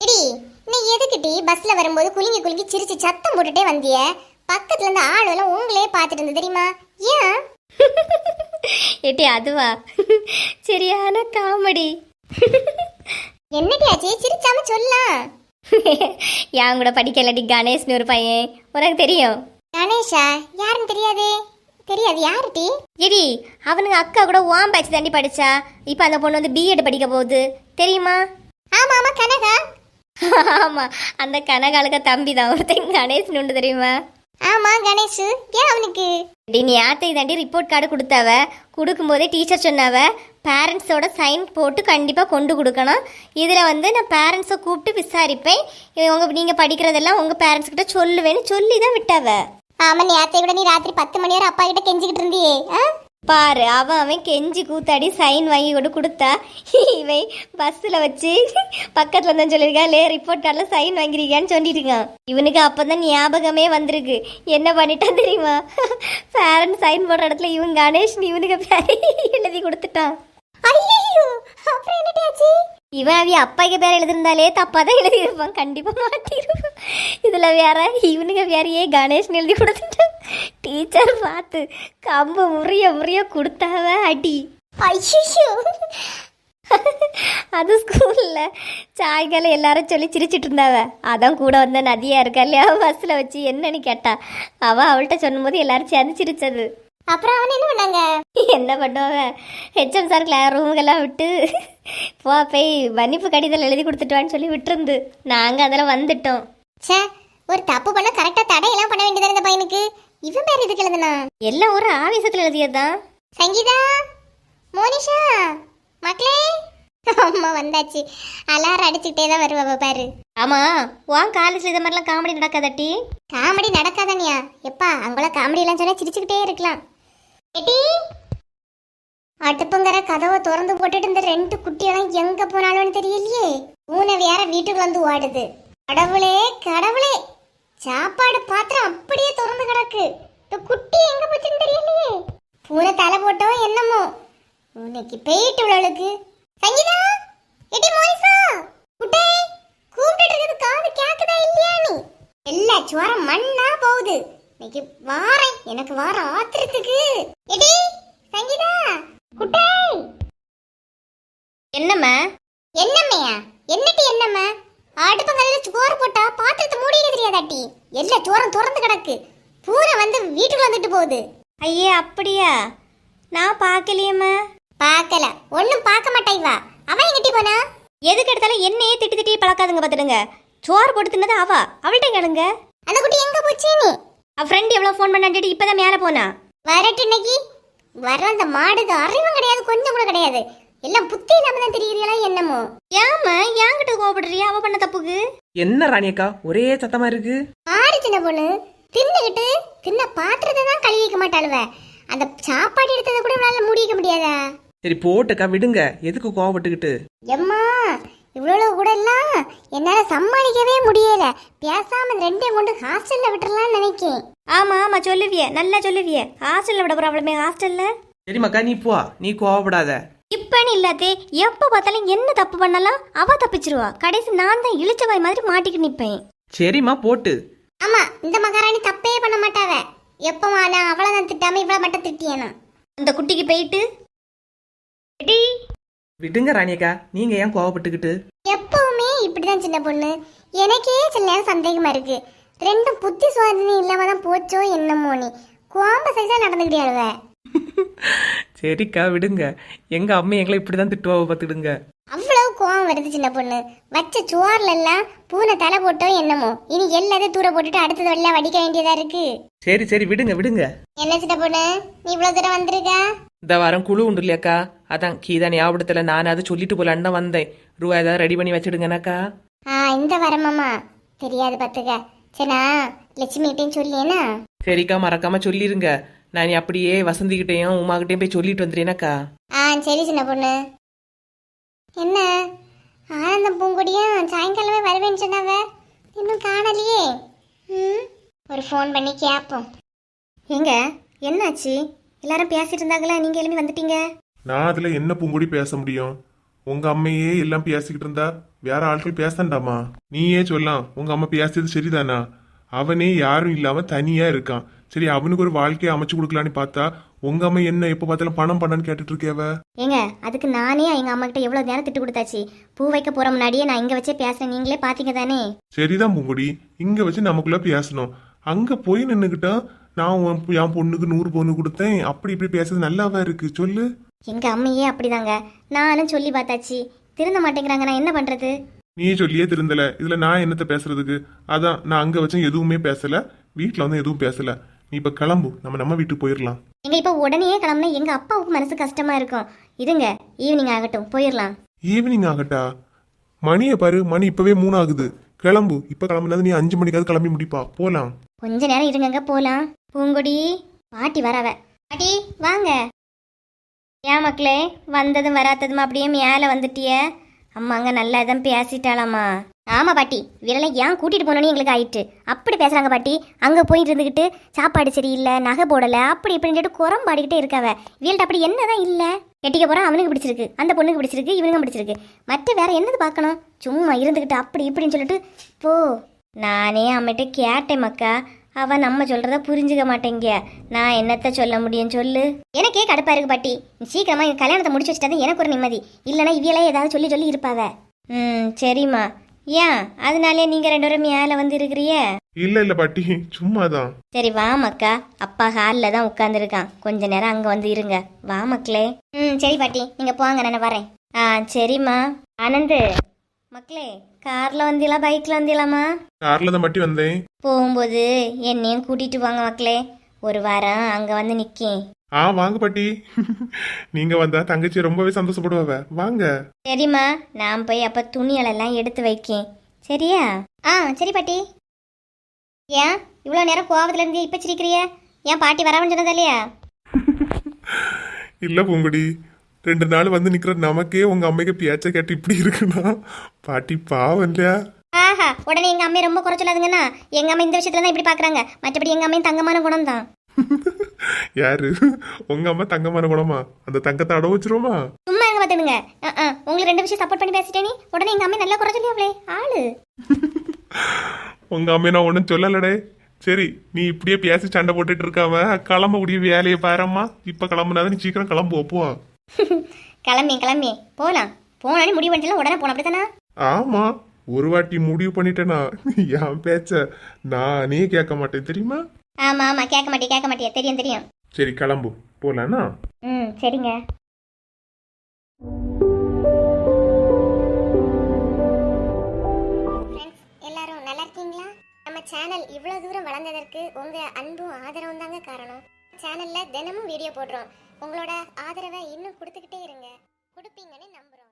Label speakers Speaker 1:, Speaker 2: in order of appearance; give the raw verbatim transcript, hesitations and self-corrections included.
Speaker 1: Eddy, நீ எதுக்கிட்டி பஸ்ல வரும்போது குலுங்கி குலுங்கி சிரிச்சு சத்தம் போட்டுட்டே வந்திய? பக்கத்துல இருந்து ஆளுவெல்லாம் உங்களே பார்த்துட்டு இருந்து தெரியுமா? ஏன்?
Speaker 2: ஏட்டி அதுவா? சரியான காமெடி.
Speaker 1: என்னடி ஆச்சு? சிரிச்சாம சொல்லலாம்.
Speaker 2: என் கூட படிக்கலடி கணேஷ்னு ஒரு பையன், உனக்கு தெரியும்?
Speaker 1: கணேஷா? யாருன்னு தெரியாதே. தெரியாது, யாருடி?
Speaker 2: எடி அவனுங்க அக்கா கூட ஓம் பேட்ச் தாண்டி படிச்சா. இப்போ அந்த பொண்ணு வந்து பிஎட் படிக்க போகுது, தெரியுமா?
Speaker 1: ஆமா ஆமா, கனகா.
Speaker 2: ஆமா, அந்த கனகாலுக்க தம்பி தான் ஒருத்தன் கணேஷ்னு உண்டு, தெரியுமா?
Speaker 1: ஆமா கணேஷ். ஏன் அவனுக்கு?
Speaker 2: டி நீ ஆத்தை தாண்டி ரிப்போர்ட் கார்டு கொடுத்தாவ. கொடுக்கும்போதே டீச்சர் சொன்னாவ பேரண்ட்ஸோட சைன் போட்டு கண்டிப்பாக கொண்டு கொடுக்கணும். இதில் வந்து நான் பேரண்ட்ஸை கூப்பிட்டு விசாரிப்பேன், உங்கள் நீங்கள் படிக்கிறதெல்லாம் உங்கள் பேரண்ட்ஸ் கிட்ட சொல்லுவேன்னு சொல்லி தான் விட்டாவ.
Speaker 1: ஆமா, நீ அத்தை கூட நீ ராத்திரி பத்து மணி வரை அப்பா கிட்ட கெஞ்சிக்கிட்டு இருந்தியே.
Speaker 2: பாரு, அவன் அவன் கெஞ்சி கூத்தாடி சைன் வாங்கி கொண்டு கொடுத்தா, இவன் பஸ்ஸில் வச்சு பக்கத்தில் இருந்தான் சொல்லியிருக்கா, லே ரிப்போர்ட் கார்டில் சைன் வாங்கிருக்கான்னு சொல்லிட்டு இருக்கான். இவனுக்கு அப்போ தான் ஞாபகமே வந்திருக்கு. என்ன பண்ணிட்டான் தெரியுமா? பேரண்ட் சைன் போடுற இடத்துல இவன் கணேஷ் இவனுக்கு பேரை எழுதி கொடுத்துட்டான்.
Speaker 1: ஐயோ, அப்புறம் என்னடாச்சு?
Speaker 2: இவன் அவ அப்பாய்க்கு பேர் எழுதிருந்தாலே தப்பாக தான் எழுதியிருப்பான், கண்டிப்பாக மாட்டிருப்பான். இதில் வேற இவனுங்க வேறையே கணேஷ்னு எழுதி கொடுத்துட்டான். டீச்சர் பார்த்து கம்பு முறிய முறிய கொடுத்தாவ அடி.
Speaker 1: ஐயோ,
Speaker 2: அது ஸ்கூலில் சாயங்காலம் எல்லாரும் சொல்லி சிரிச்சிட்டு இருந்தாவ. அதான் கூட வந்த நதியா இருக்கா இல்லையா, பஸ்ஸில் வச்சு என்னன்னு கேட்டா. அவள் அவள்கிட்ட சொன்னும்போது எல்லாரும் சேர்ந்து சிரிச்சது.
Speaker 1: அப்புறம் அவன் என்ன பண்ணாங்க?
Speaker 2: என்ன பண்ணுவாங்க, ஹெச்எம் சார் கிளாஸ் ரூமுக்கெல்லாம் விட்டு போ போய் மன்னிப்பு கடிதம் எழுதி கொடுத்துட்டுவான்னு சொல்லி விட்டுருந்து நாங்கள் அதில் வந்துட்டோம்.
Speaker 1: சே, ஒரு தப்பு பண்ண கரெக்டாக தடையெல்லாம் பண்ண வேண்டியது இந்த பையனுக்கு. இவன் பேர் எதுக்கு எழுதுனா?
Speaker 2: எல்லாம் ஒரு ஆவேசத்தில் எழுதியதுதான்.
Speaker 1: சங்கீதா, மோனிஷா, மக்களே, அம்மா வந்தாச்சு. அலாரம் அடிச்சுக்கிட்டே தான் வருவா பாரு.
Speaker 2: ஆமாம், உன் காலேஜில் இது மாதிரிலாம் காமெடி நடக்காதட்டி?
Speaker 1: காமெடி நடக்காதானியா? எப்பா, அங்கெல்லாம் காமெடி எல்லாம் சொன்னா சிரிச்சுக்கிட்டே இருக்கலாம். எட்டி, அடுப்புங்கிற கதவை திறந்து போட்டுட்டு இந்த ரெண்டு குட்டியெல்லாம் எங்க போனாலும் தெரியலையே. பூனை வேற வீட்டுக்குள்ள வந்து ஓடுது. கடவுளே கடவுளே, சாப்பாடு பாத்திரம் அப்படியே திறந்து கிடக்கு. இந்த குட்டி எங்க போச்சுன்னு தெரியலையே. பூனை தலை போட்டோ என்னமோ. உனக்கு போயிட்டு உள்ளவளுக்கு. சங்கீதா, எட்டி, மோனிசா, குட்டே, கூப்பிட்டு இருக்குது காது கேக்குதா இல்லையா? நீ எல்லா சுவரம் மண்ணா போகுது. இன்னைக்கு வாரேன், எனக்கு வார ஆத்திரத்துக்கு. எடி, சங்கீதா, குட்டே.
Speaker 2: என்னம்மா?
Speaker 1: என்னம்மையா? என்னட்டி என்னம்மா? அடுப்பங்கல்ல சோறு போட்டா பாத்திரத்தை மூடிக்க தெரியாதாட்டி? எல்லா சோறும் திறந்து கிடக்கு. பூனை வந்து வீட்டுக்குள்ள வந்துட்டு போகுது.
Speaker 2: ஐயே, அப்படியா? நான் பார்க்கலையம்மா.
Speaker 1: பார்க்கல? ஒன்னும் பார்க்க மாட்டாய். வா, அவன் எங்கிட்டி போனா?
Speaker 2: எதுக்கு எடுத்தாலும் என்னையே திட்டி திட்டி பழக்காதுங்க பார்த்துடுங்க. சோறு போட்டு தின்னது அவ, அவள்கிட்ட கேளுங்க.
Speaker 1: அந்த குட்டி எங்க போச்சு? நீ
Speaker 2: அவ ஃப்ரெண்ட் எவ்வளோ ஃபோன் பண்ணாண்டிட்டு இப்போதான் மேலே போனா.
Speaker 1: வரட்டு இன்னைக்கு வர. அந்த மாடுக்கு அறிவும் கிடையாது, கொஞ்சம் கூட கிடையாது. எல்லாம் புத்தி இல்லாம தான் தெரியுறீங்களா என்னமோ?
Speaker 2: ஏமா என்கிட்ட கோபப்படுறியா அவ பண்ண தப்புக்கு?
Speaker 3: என்ன ராணியக்கா ஒரே சத்தமா இருக்கு?
Speaker 1: ஆறு சின்ன பொண்ணு தின்னுகிட்டு தின்ன பாத்திரத்தை தான் கழுவி வைக்க மாட்டாளுவ. அந்த சாப்பாடு எடுத்ததை கூட இவளால முடிக்க முடியாதா?
Speaker 3: சரி போட்டுக்கா, விடுங்க. எதுக்கு கோவப்பட்டுக்கிட்டு?
Speaker 1: எம்மா, இவ்வளவு கூட எல்லாம் என்னால சமாளிக்கவே முடியல. பேசாம ரெண்டையும் கொண்டு ஹாஸ்டல்ல விட்டுறலாம்னு நினைக்கேன்.
Speaker 2: ஆமா ஆமா, சொல்லுவிய, நல்லா சொல்லுவிய. ஹாஸ்டல்ல விட ப்ராப்ளமே ஹாஸ்டல்ல.
Speaker 3: சரிம்மாக்கா, நீ போ, நீ கோவப்படாத.
Speaker 2: இப்பன்னு இல்லாதே, எப்ப பார்த்தாலும் என்ன தப்பு பண்ணலாம் அவ தப்பிச்சிருவா. கடைசி நான் தான் இழுச்சவாய் மாதிரி மாட்டிக்கிட்டு நிப்பேன்.
Speaker 3: சரிம்மா போட்டு.
Speaker 1: ஆமா, இந்த மகாராணி தப்பே பண்ண மாட்டாவ. எப்பமா நான் அவளை தான் திட்டாம இவளை மட்டும் திட்டியனா?
Speaker 2: அந்த குட்டிக்கு போயிட்டு
Speaker 3: விடுங்க ராணியக்கா, நீங்க ஏன் கோவப்பட்டுக்கிட்டு?
Speaker 1: எப்பவுமே இப்படிதான் சின்ன பொண்ணு. எனக்கே சில நேரம் சந்தேகமா இருக்கு. ரெண்டும் புத்தி சுவாதனை இல்லாம தான் போச்சோ என்னமோ. நீ கோம்ப சைஸா நடந்துக்கிட்டே அழுவ.
Speaker 3: சரிக்கா விடுங்க. எங்க அம்மா எங்களை இப்படிதான் திட்டுவாவ பார்த்துடுங்க.
Speaker 1: அவ்வளவு கோவம் வருது சின்ன பொண்ணு. வச்ச சுவார்ல எல்லாம் பூனை தலை போட்டோ என்னமோ. இனி எல்லாத்தையும் தூர போட்டுட்டு அடுத்தது எல்லாம் வடிக்க வேண்டியதா இருக்கு.
Speaker 3: சரி சரி விடுங்க விடுங்க.
Speaker 1: என்ன சின்ன பொண்ணு, நீ இவ்வளவு தூரம் வந்திருக்க?
Speaker 3: இந்த வாரம் குழு உண்டு இல்லையாக்கா, அதான் கீதா ஞாபகத்துல நான் அதை சொல்லிட்டு போலான்னு தான் வந்தேன். ரூபா ஏதாவது ரெடி பண்ணி வச்சிடுங்கனாக்கா.
Speaker 1: ஆ, இந்த வரமாமா தெரியாது பாத்துக்க. சரிண்ணா, லட்சுமி கிட்டையும் சொல்லியேனா?
Speaker 3: சரிக்கா, மறக்காம சொல்லிருங்க. நான் அப்படியே வசந்திக்கிட்டையும் உமா கிட்டையும் போய் சொல்லிட்டு வந்துடுறேனாக்கா.
Speaker 1: ஆ சரி சின்ன பொண்ணு. என்ன ஆனந்தம் பூங்கொடியும் சாயங்காலமே வருவேன்னு சொன்னாவ, இன்னும் காணலையே. ம், ஒரு ஃபோன் பண்ணி கேட்போம்.
Speaker 2: எங்க என்னாச்சு? எல்லாரும் பேசிட்டு இருந்தாங்களா, நீங்க எழுப்பி வந்துட்டீங்க.
Speaker 4: நான் அதுல என்ன பூங்குடி பேச முடியும்? உங்க அம்மையே எல்லாம் பேசிக்கிட்டு இருந்தா வேற ஆட்கள் பேசண்டாமா? நீயே சொல்லலாம், உங்க அம்மா பேசுறது சரிதானா? அவனே யாரும் இல்லாம தனியா இருக்கான். சரி, அவனுக்கு ஒரு வாழ்க்கையை அமைச்சு கொடுக்கலான்னு பார்த்தா உங்க அம்மா என்ன எப்ப பார்த்தாலும் பணம் பண்ணான்னு கேட்டுட்டு இருக்கேவ.
Speaker 2: ஏங்க அதுக்கு நானே எங்க அம்மா கிட்ட எவ்வளவு நேரம் திட்டு கொடுத்தாச்சு. பூ வைக்க போற முன்னாடியே நான் இங்க வச்சே பேசுறேன், நீங்களே பாத்தீங்க தானே.
Speaker 4: சரிதான் பூங்குடி, இங்க வச்சு நமக்குள்ள பேசணும். அங்க போய் நின்னுகிட்டா நான் உன் என் பொண்ணுக்கு நூறு பொண்ணு கொடுத்தேன் அப்படி இப்படி பேசுறது நல்லாவா இருக்கு சொல்லு?
Speaker 2: எங்க அம்மையே அப்படிதாங்க, நானும் சொல்லி பார்த்தாச்சு, திருந்த மாட்டேங்கிறாங்க. நான் என்ன பண்றது?
Speaker 4: நீ சொல்லியே திருந்தல, இதுல நான் என்னத்த பேசுறதுக்கு? அதான் நான் அங்க வச்சும் எதுவுமே பேசல, வீட்டுல வந்து எதுவும் பேசல. நீ இப்ப கிளம்பு, நம்ம நம்ம வீட்டுக்கு போயிடலாம்.
Speaker 2: எங்க இப்ப உடனே கிளம்புனா எங்க அப்பாவுக்கு மனசு கஷ்டமா இருக்கும். இருங்க, ஈவினிங் ஆகட்டும், போயிடலாம்.
Speaker 4: ஈவினிங் ஆகட்டா? மணியை பாரு, மணி இப்பவே மூணு ஆகுது. கிளம்பு, இப்ப கிளம்புனது நீ அஞ்சு மணிக்காவது கிளம்பி முடிப்பா, போலாம்.
Speaker 2: கொஞ்ச நேரம் இருங்கங்க, போலாம். பூங்கொடி பாட்டி வரவ. பாட்டி வாங்க. ஏன் மக்களே, வந்ததும் வராததும் அப்படியே மேல வந்துட்டிய? அம்மாங்க நல்லா தான் பேசிட்டாளாமா? ஆமா பாட்டி, விரலை ஏன் கூட்டிட்டு போனோன்னு எங்களுக்கு ஆயிட்டு. அப்படி பேசுறாங்க பாட்டி. அங்க போயிட்டு இருந்துகிட்டு சாப்பாடு சரியில்லை, நகை போடல, அப்படி இப்படின்னு சொல்லிட்டு குரம் பாடிக்கிட்டே இருக்காவ. வீல்ட்ட அப்படி என்னதான் இல்ல? கெட்டிக்க போறான், அவனுக்கு பிடிச்சிருக்கு, அந்த பொண்ணுக்கு பிடிச்சிருக்கு, இவனுக்கு பிடிச்சிருக்கு, மற்ற வேற என்னது பார்க்கணும்? சும்மா இருந்துகிட்டு அப்படி இப்படின்னு சொல்லிட்டு போ. நானே அம்மிட்ட கேட்டேன் மக்கா, அவ நம்ம சொல்றத புரிஞ்சுக்க மாட்டேங்க. நான் என்னத்த சொல்ல முடியும் சொல்லு? எனக்கே கடுப்பா இருக்கு பாட்டி. சீக்கிரமா என் கல்யாணத்தை முடிச்சு வச்சுட்டா எனக்கு ஒரு நிம்மதி. இல்லைன்னா இவியெல்லாம் ஏதாவது சொல்லி சொல்லி இருப்பாவ. ம் சரிம்மா. ஏன் அதனாலே நீங்க ரெண்டு பேரும் மேல வந்து இருக்கிறிய?
Speaker 4: இல்ல இல்ல பாட்டி, சும்மாதான்.
Speaker 2: சரி வா மக்கா, அப்பா ஹாலில் தான் உட்காந்துருக்கான், கொஞ்ச நேரம் அங்க வந்து இருங்க. வா மக்களே. ம் சரி பாட்டி, நீங்க போங்க, நான் வரேன். ஆ சரிம்மா. ஆனந்து மக்களே, கார்ல வந்தீங்களா பைக்ல வந்தீங்களாமா?
Speaker 4: கார்ல தான் பாட்டி வந்தேன்.
Speaker 2: போகும்போது என்னையும் கூட்டிட்டு வாங்க மக்களே, ஒரு வாரம் அங்க வந்து நிக்கேன்.
Speaker 4: ஆ வாங்க பாட்டி. நீங்க வந்தா தங்கச்சி ரொம்பவே சந்தோஷப்படுவாவ, வாங்க.
Speaker 2: சரிம்மா, நான் போய் அப்ப துணிகளெல்லாம் எடுத்து வைக்கேன், சரியா? ஆ சரி பாட்டி. ஏன் இவ்வளோ நேரம் கோவத்துல இருந்து இப்ப சிரிக்கிறிய? ஏன் பாட்டி வரவன்னு சொன்னதா இல்லையா?
Speaker 4: இல்ல பூங்குடி, ரெண்டு நாள் வந்து நிக்கிற நமக்கே உங்க அம்மைக்கு பேச்ச கேட்டு இப்படி இருக்குன்னா பாட்டி பாவம் இல்லையா?
Speaker 2: ஆஹா, உடனே எங்க அம்மையை ரொம்ப குறை சொல்லாதுங்கன்னா. எங்க அம்மா இந்த விஷயத்துல தான் இப்படி பாக்குறாங்க, மற்றபடி எங்க அம்மையும் தங்கமான குணம் தான்.
Speaker 4: யாரு உங்க அம்மா? தங்கமான குணமா? அந்த தங்கத்தை அட வச்சிருவோமா?
Speaker 2: சும்மா எங்க பாத்துடுங்க. உங்களுக்கு ரெண்டு விஷயம் சப்போர்ட் பண்ணி பேசிட்டே நீ உடனே எங்க அம்மையை நல்லா குறை சொல்லி அவளே ஆளு.
Speaker 4: உங்க அம்மையை நான் ஒன்னும் சொல்லலடே. சரி, நீ இப்படியே பேசி சண்டை போட்டுட்டு இருக்காம கிளம்ப முடிய வேலையை பாரம்மா. இப்ப கிளம்புனாதான் நீ சீக்கிரம் கிளம்பு, போ.
Speaker 2: கிளம்பி கிளம்பி போலாம். போனாலும் முடிவு பண்ணிட்டு உடனே போன அப்படித்தானா?
Speaker 4: ஆமா, ஒரு வாட்டி முடிவு பண்ணிட்டேனா என் பேச்ச நானே கேட்க மாட்டேன் தெரியுமா?
Speaker 2: ஆமா ஆமா, கேட்க மாட்டே கேட்க மாட்டியா, தெரியும் தெரியும்.
Speaker 4: சரி கிளம்பு, போலானா?
Speaker 2: ம் சரிங்க.
Speaker 1: எல்லாரும் நல்லா இருக்கீங்களா? நம்ம சேனல் இவ்வளவு தூரம் வளர்ந்ததற்கு உங்க அன்பும் ஆதரவும் தாங்க காரணம். சேனல்ல தினமும் வீடியோ போடுறோம். உங்களோட ஆதரவை இன்னும் கொடுத்துக்கிட்டே இருங்க. கொடுப்பீங்கன்னு நம்புறோம்.